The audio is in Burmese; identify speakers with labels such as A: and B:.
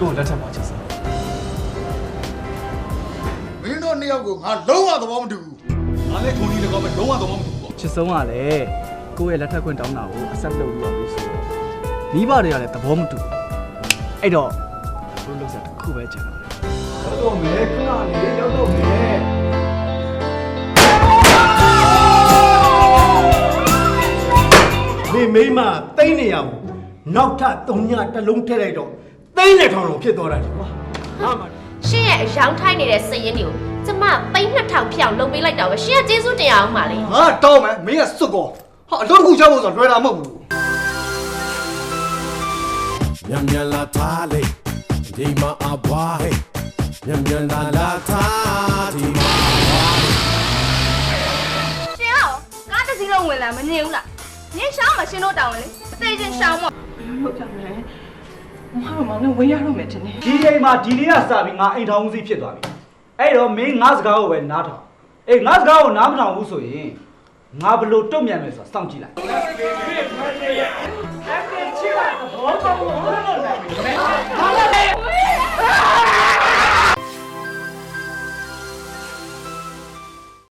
A: ကိုလက်ထပ်ပါချစ်စမ်း
B: မင်းတို့နှစ်ယောက်ကိုငါလုံးဝသဘောမတူဘူးငါလည်းထုံကြီးလည်းကောင်းမဲ့လုံးဝသဘောမတူဘူးပေါ့
A: ချစ်ဆုံးကလည်းကိုယ့်ရဲ့လက်ထပ်ခွင့်တောင်းတာကိုအဆက်လုပ်ပြီးပါပြီဆိုတော့မိဘတွေကလည်းသဘောမတူအဲ့တော့တို့လုပ်စားတစ်ခုပဲချင်တယ်ရောက်တော့မယ်ခဏလေးရောက်တော့မယ်
C: မိမတိတ်နေရဘူးနောက်ထပ်3ညတစ်လုံးထည့်လိုက်တော့သိန်းနဲ့ထောင်လုံးဖြစ်သွားတာကွာဟာမ
D: ရှင့်ရဲ့အယောင်ထိုင်းနေတဲ့စရင်တွေကိုကျမပိန်း2000ဖြောင်းလုပ်ပေးလိုက်တော့ပဲရှင့်ကကျေးဇူးတင်အောင်ပါလေ
C: ငါတောင်းမယ်မင်းကစွတ်ကောဟာအလုပ်တစ်ခုချဖို့ဆိုတော့လွယ်တာမဟုတ်ဘူး
E: Nyam nyam la thale, di ma abwahe. Nyam nyam la tha, di ma abwahe.
F: ရှင်အောင်ကားတစ်စီးလုံးဝင်လာမနေဘူးလားနင်းရှောင်းမရှင်တို့တောင်းလေအသေးချင်းရှောင်းမ
G: ဟုတ်ကြမယ်မဟာမောင်နဲ့ဝေးရတော့မယ်ထင်တယ်
A: ဒီချိန်မှာဒီနေ့ကစပြီးငါအိမ်ထောင်ဦးစီးဖြစ်သွားပြီအဲ့တော့မင်းငါစကားကိုပဲနားထောင်အေးငါစကားကိုနားမထောင်ဘူးဆိုရင်ငါဘလို့တုံ့ပြန်မယ်ဆိုတာစောင့်ကြည့်လိုက်ဘာလဲ